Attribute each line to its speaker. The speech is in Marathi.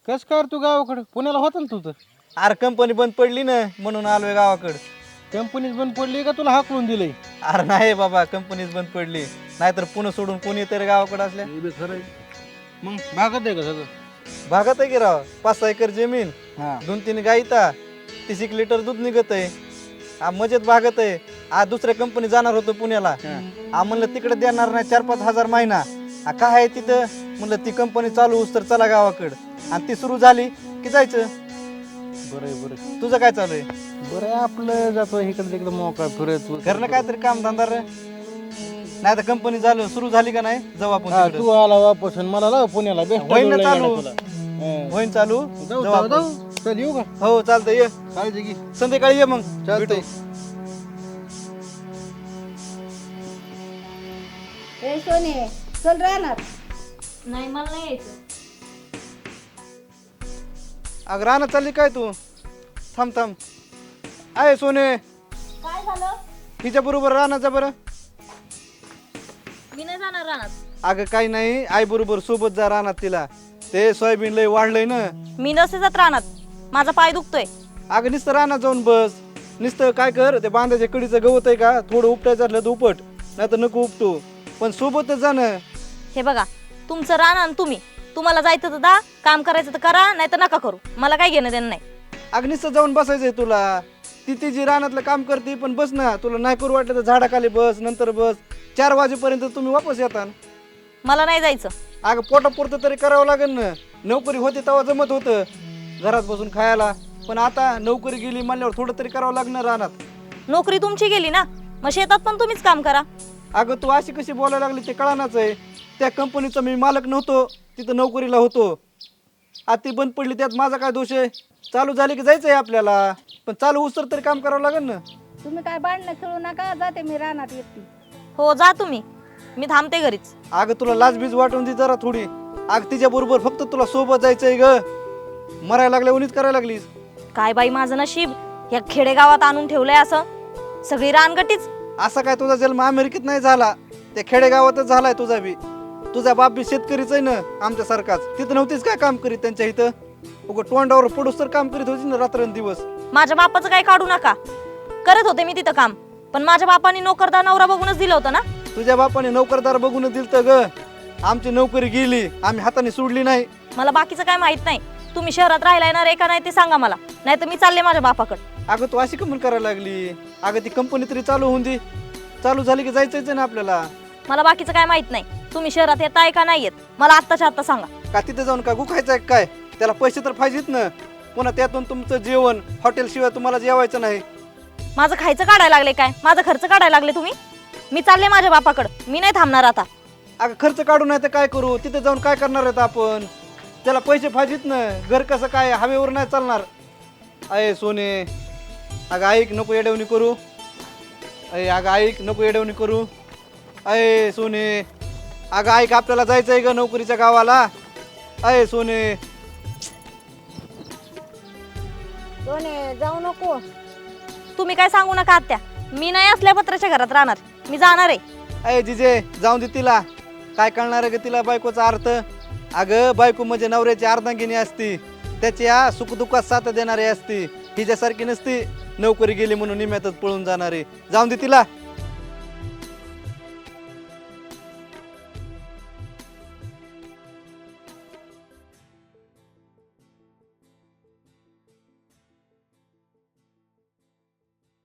Speaker 1: कस काय रे तू गावाकडे पुण्याला होता ना तू तर
Speaker 2: अरे कंपनी बंद पडली ना म्हणून आलोय गावाकडं.
Speaker 1: कंपनीच बंद पडली का तुला हाकलून दिलंय?
Speaker 2: अरे नाही बाबा कंपनीच बंद पडली, नाहीतर पुणे सोडून कोणी तरी गावाकडे असल्या.
Speaker 1: हे बी खरं आहे. मग भागत आहे का सगळं?
Speaker 2: भागात आहे की राव, 5-6 एकर जमीन,
Speaker 1: हा
Speaker 2: 2-3 गाईता, 30 लिटर दूध निघत आहे. मजेत भागत आहे. आज दुसऱ्या कंपनी जाणार होतो पुण्याला. म्हणलं तिकडे देणार नाही 4-5 हजार महिना. काय आहे तिथं म्हणलं ती कंपनी चालू होस तर चला गावाकडं, आणि ती सुरू झाली की जायचं.
Speaker 1: बरं आहे बरं आहे.
Speaker 2: तुझं काय चालू आहे?
Speaker 1: बरं आहे आपलं जातो इकडे तिकडे मोकळा फिरत
Speaker 2: घरनं काहीतरी काम धंदा रे, नाही तर कंपनी झालं सुरू झाली का नाही जाऊ आपण
Speaker 1: हा
Speaker 2: तिकडं.
Speaker 1: तू आला वापस आणि मला लाव पुण्याला बेस्ट
Speaker 2: होईन ना चालू, होईन चालू.
Speaker 1: जाऊ
Speaker 2: जाऊ
Speaker 1: जाऊ
Speaker 2: आपण.
Speaker 1: जाऊ चल येऊ का?
Speaker 2: हो चालतं, ये
Speaker 1: काळजी घे.
Speaker 2: संध्याकाळी ये मग
Speaker 1: चालतंय.
Speaker 2: भेटू.
Speaker 3: ए सोने चल राहणार.
Speaker 4: नाही मला नाही यायचं.
Speaker 2: अगं राहणं चालली काय तू? थांब थांब. आहे सोने,
Speaker 4: काय झालं?
Speaker 2: हिच्या बरोबर राहण्याचा बरं.
Speaker 4: मी नाही जाणार रानात.
Speaker 2: अगं काही नाही, आई बरोबर सोबत जा राहणार तिला. ते सोयाबीन लय वाढलंय ना.
Speaker 4: मी नसते जात रानात, माझा पाय दुखतोय.
Speaker 2: अगं नुसतं राहणार जाऊन बस. नुसतं काय कर, ते बांधाच्या कडीचं गवत आहे का थोडं उपटायचं असलं तर उपट, नाही तर नको उपटू, पण सोबतच जाणं.
Speaker 4: हे बघा, तुमचं रान आणि तुम्हाला जायचं तर जा, काम करायचं तर करा, नाही तर नका करू. मला काय घेणं देणं नाही.
Speaker 2: अगं नुसतं जाऊन बसायचंय तुला. ती तिची रानातलं काम करते पण बस ना, तुला नाही करू वाटलं तर झाडाखाली बस, नंतर बस. 4 वाजेपर्यंत तुम्ही वापस येता.
Speaker 4: मला नाही जायचं.
Speaker 2: अगं पोटापुरतं तरी करावं लागेल ना. नोकरी होती तेव्हा जमत होतं घरात बसून खायला, पण आता नोकरी गेली म्हणल्यावर थोडं तरी करावं लागणार रानात.
Speaker 4: नोकरी तुमची गेली ना, मग शेतात पण तुम्हीच काम करा.
Speaker 2: अगं तू अशी कशी बोलायला लागली ते कळानाच आहे. त्या कंपनीचा मी मालक नव्हतो, तिथं नोकरीला होतो. आता ती बंद पडली, त्यात माझा काय दोष आहे? चालू झाली की जायचं आहे आपल्याला, पण चालू उसर तरी काम करावं लागेल ना.
Speaker 3: तुम्ही काय भांडणं खेळू नका, जाते मी राहणार एकटी.
Speaker 4: हो जा तुम्ही, मी थांबते घरीच.
Speaker 2: अगं तुला लाजबीज वाटून दे जरा थोडी. अगं तिच्या बरोबर फक्त तुला सोबत जायचंय ग. मरायला लागल्या उनीच करायला लागलीस.
Speaker 4: काय बाई माझं नशीब, या खेडेगावात आणून ठेवलंय असं. सगळी रानगटीच.
Speaker 2: असा काय तुझा जन्म अमेरिकेत नाही झाला, त्या खेडेगावातच झालाय तुझा बी. तुझा बाप बी शेतकरीच आहे ना आमच्यासारखाच. तिथं नव्हतीच काय काम करीत त्यांच्या इथं? उगं तोंडावर पडूस तर काम करीत होती ना रात्रंदिवस.
Speaker 4: माझ्या बापाचं काही काढू नका, करत होते मी तिथं काम, पण माझ्या बापाने नोकरदार नवरा बघूनच दिलं होतं ना.
Speaker 2: तुझ्या बापाने नोकरदार बघून दिलतं ग. आमची नोकरी गेली, आम्ही हाताने सोडली नाही.
Speaker 4: मला बाकीचं काय माहित नाही. तुम्ही शहरात राहायला येणार आहे का नाही ते सांगा मला, नाही तर मी चालले माझ्या बापाकडे.
Speaker 2: अगं तू अशी कमून करायला लागली? अगं ती कंपनी तरी चालू होऊन दे. चालू झाली की जायचंच ना आपल्याला.
Speaker 4: मला बाकीचं काय माहित नाही. तुम्ही शहरात येत आहे का नाही येत मला आत्ताच्या आत्ता सांगा.
Speaker 2: का तिथे जाऊन का गुखायचं काय? त्याला पैसे तर पाहिजेत ना. पुन्हा त्यातून तुमचं जेवण हॉटेल शिवाय तुम्हाला जेवायचं नाही.
Speaker 4: माझं खायचं काढायला लागले काय? माझा खर्च काढायला लागले तुम्ही? मी चालले माझ्या बापाकडे, मी नाही थांबणार आता.
Speaker 2: अगं खर्च काढू नाही तर काय करू? तिथे जाऊन काय करणार आहेत आपण? त्याला पैसे पाहिजेत ना. घर कसं काय हवेवर नाही चालणार. अय सोने, अगं ऐक, नको येडवणी करू. अगं ऐक, नको येडवणी करू. अय सोने, अगं ऐक, आपल्याला जायचं आहे ग नोकरीच्या गावाला. अय सोने.
Speaker 3: सोने जाऊ नको.
Speaker 4: तुम्ही काय सांगू नका आत्या, मी नाही असल्या पत्राच्या घरात राहणार, मी जाणार आहे.
Speaker 2: अय जिजे, जाऊन दे तिला. काय कळणार आहे ग तिला बायकोचा अर्थ? अगं बायको म्हणजे नवऱ्याची अर्धांगिनी असती, त्याच्या सुखदुःखात साथ देणारी असती. हिच्यासारखी नसती नोकरी गेली म्हणून निम्यातच पळून जाणारी. जाऊन दे तिला.